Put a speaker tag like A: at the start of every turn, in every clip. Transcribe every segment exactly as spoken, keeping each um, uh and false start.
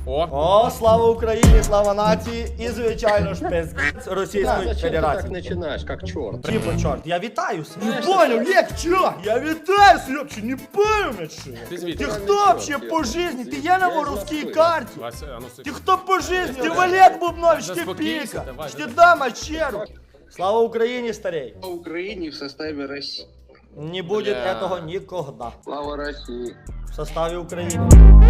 A: О!
B: О, слава Україні, слава нації і, звичайно ж, без Російської
C: Зачем ты так
B: Федерації.
C: начинаешь, как черт?
B: Типа, чорт, я вітаюся. Не понял, як чо? Я вітаюся, вообще не понял, що.
A: Ти звідки?
B: Ти хто вообще по житті? Ти є на воровській карті?
A: Вася, а ну
B: Ти
A: сик.
B: хто по житті? Ти Валек Бубнович, ти
A: Заспокійся,
B: піка.
A: давай,
B: Чи ти
A: давай.
B: дама черу? Слава Україні, старей.
D: По Украине в составе России.
B: Не будет
A: Бля.
B: этого никогда.
D: Слава России.
B: В составе Украины.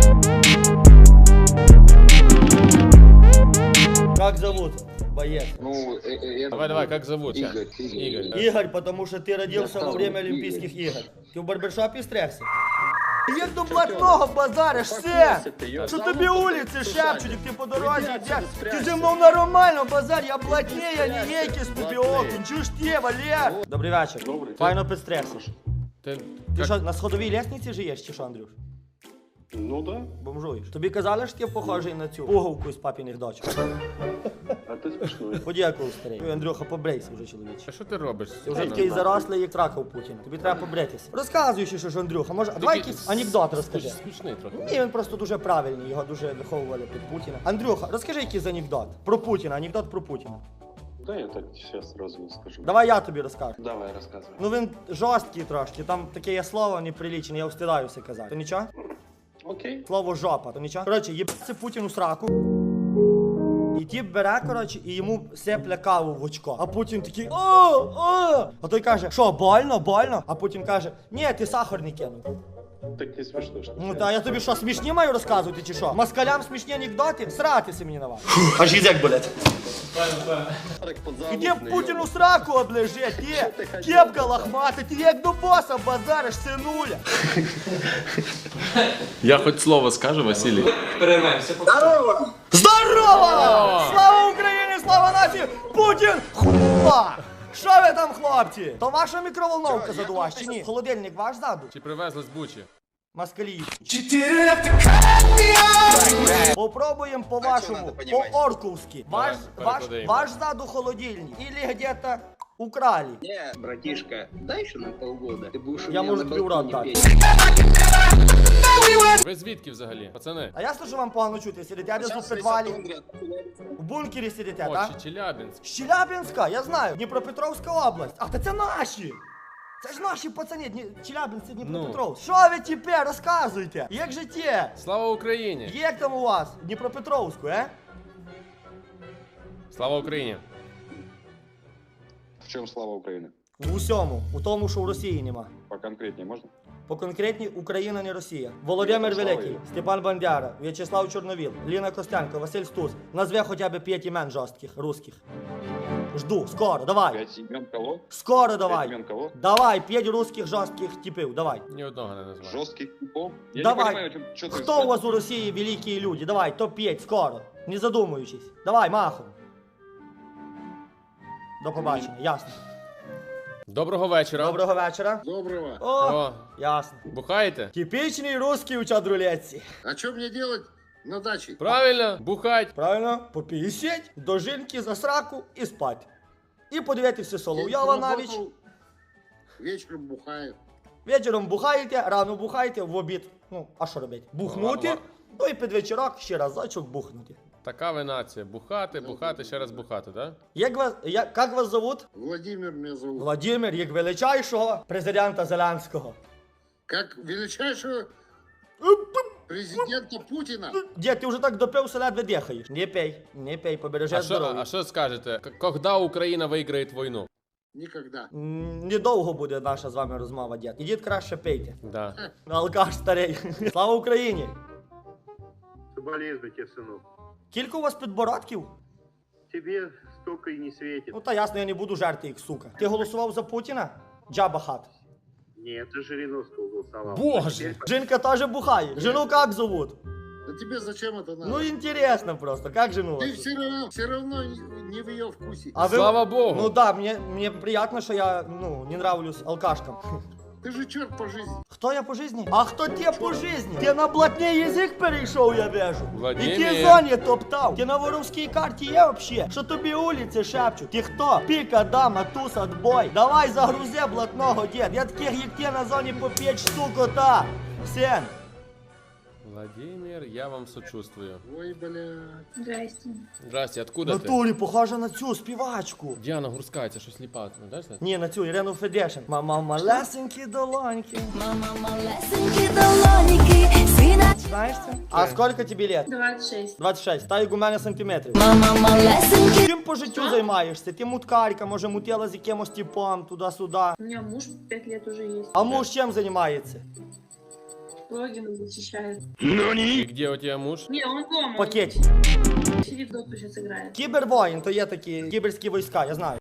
B: Как зовут? Боец.
D: Ну, э, э, это
A: Давай, давай, как зовут? щас?
D: Игорь, Игорь.
A: Игорь. да.
B: Игорь, потому что ты родился
D: Я
B: во время
D: сам
B: Олимпийских
D: Игорь.
B: игр. Ты в барбершопе стрягся? Як до блатного базариш, все! Що тобі вулиці шепчуть, як ти по дорозі йдеш? Ти зі мною нормально базар, я блатний, я не ейки з тобі окунь. Чуєш ти, Валер? Добрий вечір.
D: Добрий.
B: Файно підстрягся.
A: Ти,
B: Ти
A: як-
B: що, на сходовій лестниці живеш, чи що, Андрюш?
D: Ну да.
B: Бомжуєш. Тобі казали, що ти похожий на цю пуговку з папіних дочок?
D: А ты смешной.
B: Подякував, старий. Ой, Андрюха, побрейся вже, чоловіче.
A: А що ти робиш?
B: Ти вже такий зарослий, як трака у Путіна. Тобі треба побритися. Розказуй ще, що ж, Андрюха, може, а давай якийсь анекдот розкажи.
A: Смішний трохи.
B: Ні, він просто дуже правильний, його дуже виховували під Путіна. Андрюха, розкажи якийсь анекдот. Про Путіна, анекдот про Путіна.
D: Да, я так сейчас сразу скажу.
B: Давай я тобі розкажу.
D: Давай, рассказывай.
B: Ну він жорсткий трошки, там таке є слово неприлічне, я встидаюся казати. То нічого?
D: Окей.
B: Слово жопа, то нічого? Коротше, їбаться Путіну сраку. І тіп бере, коротше, і йому сепля каву в очко. А Путін такий о, о! А той каже, що, больно, больно? А Путін каже, ні, ти сахар не кинув.
D: Так не смешно, что
B: Ну та я тобі що, смішні маю розказувати чи що? Москалям смішні анекдоти? Сратися мені на вас. Аж язик болить. Іди в Путіну сраку облежи, ти, кепка лохмата, ти як до боса базариш, синуля.
E: Я хоть слово скажу, Василий.
B: Здорово! Слава Україні, слава нації! Путін хуа! Що ви там, хлопці? То ваша мікроволновка задуваш чи ні? Холодильник ваш заду?
A: Чи привезли з Бучі?
B: Москалі. Попробуємо по-вашому, по-орковськи. Ваш, ваш,
A: перекладаємо.
B: ваш заду холодильник. Или где-то украли.
D: Не, братишка, дай еще на полгода. Ты будешь у
B: Я,
D: меня
B: может,
D: на
B: и в рот
D: балконе
B: дать.
D: петь.
A: Ви звідки взагалі? Пацани?
B: А ясно, що вам погано чути? Сидите десь у підвалі? В бункері сидите,
A: О,
B: так?
A: Чи- Челябинськ.
B: З Челябинська, я знаю. Дніпропетровська область. Ах, та це наші. Це ж наші пацани, Дні... Челябинці, Дніпропетровськ. Що ви тепер розказуєте? Як життя?
A: Слава Україні!
B: Як там у вас? в Дніпропетровську, е?
A: Слава Україні!
D: В чем слава Украины?
B: В усьому. У тому, що в Росії нема.
D: Поконкретнее можно?
B: По конкретній Україна не Росія. Володимир Великий, Степан Бандера, В'ячеслав Чорновіл, Ліна Костенко, Василь Стус. Назве хоча б п'ять імен жорстких, русських. Жду, скоро, давай.
D: Пять имен кого?
B: Скоро
D: Пять
B: давай.
D: имен кого?
B: Давай, п'ять русських жорстких типів, давай.
A: Ні одного не назвав.
D: Жестких типов? Я
B: Давай.
D: не понимаю, что ты...
B: Хто у вас у Росії великі люди? Давай, топ п'ять, скоро. Не задумуючись. Давай, махом. До побачення, ясно.
A: Доброго вечора.
B: Доброго вечора.
C: Доброго.
B: О,
A: О,
B: ясно.
A: бухаєте?
B: Типічний русський у чадрулетці.
C: А что мне делать на даче?
A: Правильно, бухать.
B: Правильно? Попісять, до жінки за сраку і спать. І подивитися Соловйова навіть.
C: Работал, вечером бухаю.
B: Вечором бухаєте, рано бухаєте, в обід. Ну, а що робити? Бухнути,
A: Ладно.
B: ну і під вечорок ще разочок бухнути.
A: Така ви нація. Бухати, бухати, ще раз бухати, так?
B: Як вас, як, як вас зовут?
C: Владимир меня зовут.
B: Владимир, як величайшого президента Зеленського.
C: Как величайшего президента Путина.
B: Дід, ти вже так допився, ледве дихаєш. Не пей, не пей, побережи
A: А що,
B: здоров'я.
A: а що скажете? К- Когда Україна виграє війну?
C: Никогда.
B: М, Недовго буде наша з вами розмова, дід. Ідіть краще пийте.
A: Да.
B: Алкаш старий. Слава Україні!
F: Соболезную тебе, сынок.
B: Кілька у вас підбородків?
F: Тебе столько и не светит.
B: Ну та ясно, я не буду жерти їх, сука. Ти голосував за Путіна? Джаба хат.
F: Нет, ты Жириновского голосовал.
A: Боже!
B: Жінка теж бухає. Жену як зовут?
C: Да тебе зачем это надо?
B: Ну інтересно просто, як жену
C: Ты
B: вас?
C: все равно, все равно не в ее вкусе.
B: А ви...
A: Слава Богу!
B: Ну да, мне, мне приятно, що я, ну, не нравлюсь алкашкам.
C: Ты же черт по жизни.
B: Хто я по житті? А хто ти по житті? Ти на блатний язик перейшов, я вижу.
A: Владимир.
B: І ти зоні топтав. Ти на воровській карті є вообще? Що тобі вулиці шепчуть? Ти хто? Піка, дама, туз, отбой. Давай загрузи блатного, дід. Я таких, як ти, на зоні по п'ять штук ота. Сен.
A: Владимир, я вам сочувствую.
C: Ой, бля.
G: Здрасте.
A: Здрасте,
B: В
A: откуда ти?
B: натурі похожа на цю співачку.
A: Діана Гурська, це що сліпа, ти знаєш? це?
B: Ні, на цю Ірину Федешин. Мама малесенькі долоньки.
H: Мама малесенькі долоніки, сина.
B: Знаєш це? А скільки тобі лет?
G: двадцать шесть.
B: двадцять шість. Та як у мене сантиметрів.
H: Мама малесенькі.
B: Чим по життю займаєшся? Ти муткарка, може мутила з якимось типом, туди-сюди.
G: У меня муж пять лет уже есть.
B: А муж чим займається?
G: Логин защищает.
A: І де у тебе муж?
G: Не, он дома.
B: Пакет.
G: Сидит, доту сейчас играет.
B: Кібервоїн, то є такі кіберські війська, я знаю.